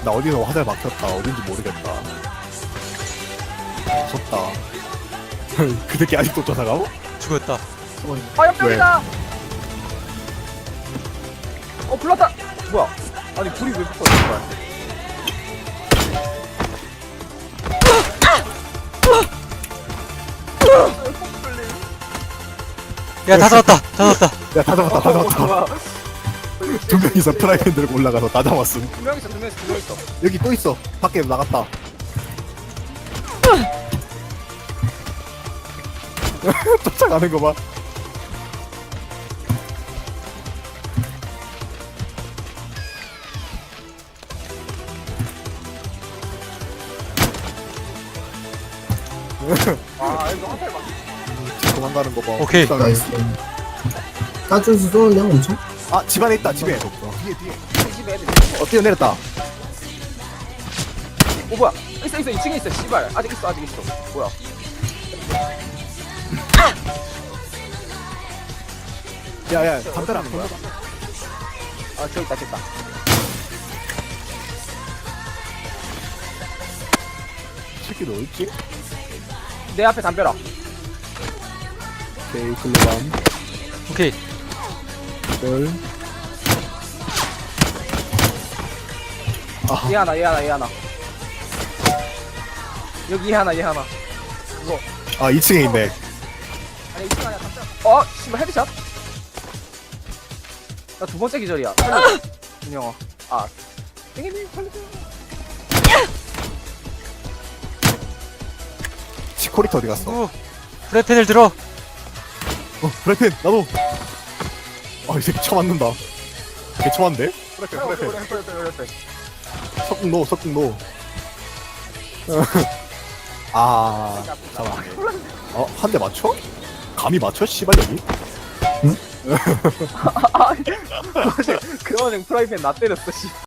나 어디서 화살 막혔다. 어딘지 모르겠다. 무섭다. 그 새끼 아직도 쫓아가고? 죽었다. 아 옆벽이다. 불났다. 뭐야? 아니 불이 왜 붙어? 정말. 야, 다 잡았다. 다 잡았다. 야, 다 잡았다, 다 잡았다. 뭐야? 두 명이서 프라이팬 들고 올라가서 다 잡았음. 두 명 있어, 두 명 있어, 두 명 있어. 여기 또 있어. 밖에 나갔다. 쫓아가는 거 봐. 아 이거 화살 막. 도망가는 거 봐. 오케이. 쫓아가는 나이스. 따준수 쏘는데 엄청? 거. 아, 집안에 있다, 집에. 뒤에, 뒤에. 이 집에 애들. 뛰어내렸다. 오 뭐야? 있어 2층에 있어. 씨발 아직 있어. 뭐야? 야, 야, 담벼락 거야. 아 저기 있다. 새끼도 어딨지? 내 앞에 담벼락. 오케이, 글로밤. 오케이. 별. 아, 얘 하나. 여기 얘 하나. 이거 아, 2층에 있네. 아니 2층 아니야 담벼락. 씨발 헤드샷. 나 두 번째 기절이야. 준영아. 땡기님 살려줘. 치코리터 어디 갔어? 우. 프라이팬을 들어. 프라이팬, 나도. 아, 이 새끼 쳐맞는다. 개 쳐맞는데? 프라이팬. 그래. 석궁 노. 아, 잠깐만. 한 대 맞춰? 감히 맞춰? 씨발, 여기? 그거는 프라이팬 나 때렸어 씨.